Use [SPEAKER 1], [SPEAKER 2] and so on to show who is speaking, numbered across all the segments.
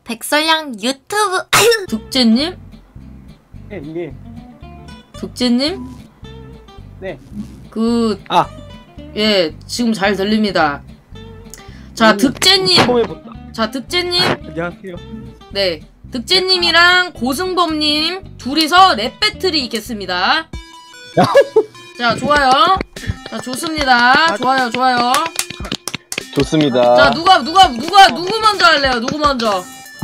[SPEAKER 1] 백설양 유튜브. 득제님?
[SPEAKER 2] 예, 예.
[SPEAKER 1] 득제님?
[SPEAKER 2] 네.
[SPEAKER 1] 예, 지금 잘 들립니다. 자, 득제님.
[SPEAKER 2] 처음 해본다.
[SPEAKER 1] 자, 득제님.
[SPEAKER 2] 안녕하세요.
[SPEAKER 1] 네. 득제님이랑 고승범님 둘이서 랩 배틀이 있겠습니다. 자, 좋아요. 자, 좋습니다. 좋아요, 좋아요.
[SPEAKER 3] 좋습니다.
[SPEAKER 1] 자, 누구 먼저 할래요? 누구 먼저?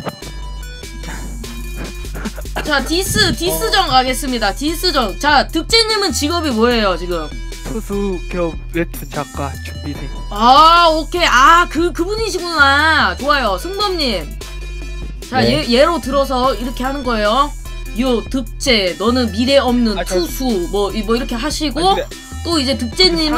[SPEAKER 1] 자, 디스전 가겠습니다. 디스전. 자, 득제님은 직업이 뭐예요, 지금?
[SPEAKER 2] 투수 겸 웹툰 작가 준비생.
[SPEAKER 1] 아, 오케이. 아, 그분이시구나. 좋아요. 승범님. 자,
[SPEAKER 3] 네.
[SPEAKER 1] 예로 들어서 이렇게 하는 거예요. 요, 득제, 너는 미래 없는 투수, 뭐 이렇게 하시고, 또 이제 득제님은,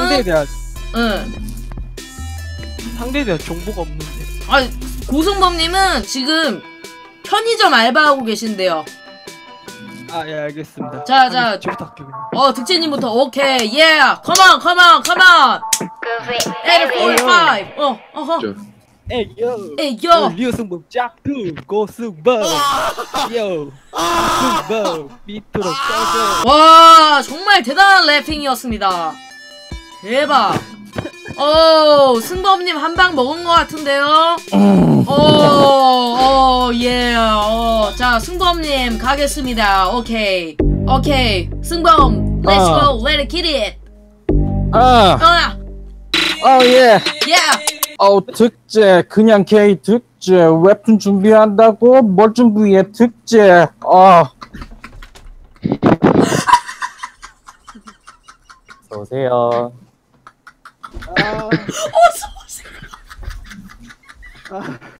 [SPEAKER 2] 상대에 대한 정보가 없는데.
[SPEAKER 1] 아, 고승범님은 지금 편의점 알바하고 계신데요.
[SPEAKER 2] 아, 예, 알겠습니다.
[SPEAKER 1] 자.
[SPEAKER 2] 저부터 할게요.
[SPEAKER 1] 득제님부터, 오케이, yeah, come on. 845, 어허. 에이요.
[SPEAKER 2] 리오승범 짝퉁 고승범. 요. 고승범 밑으로 꺼져.
[SPEAKER 1] 와, 정말 대단한 래핑이었습니다. 대박. 승범님 한 방 먹은 것 같은데요? 예. 자, 승범님 가겠습니다. 오케이. 승범, let's go, let it get it.
[SPEAKER 3] 예.
[SPEAKER 1] Yeah.
[SPEAKER 3] 득제, 그냥 K 득제, 웹툰 준비한다고? 뭘 준비해, 득제, 어서오세요.
[SPEAKER 1] 어서오세요.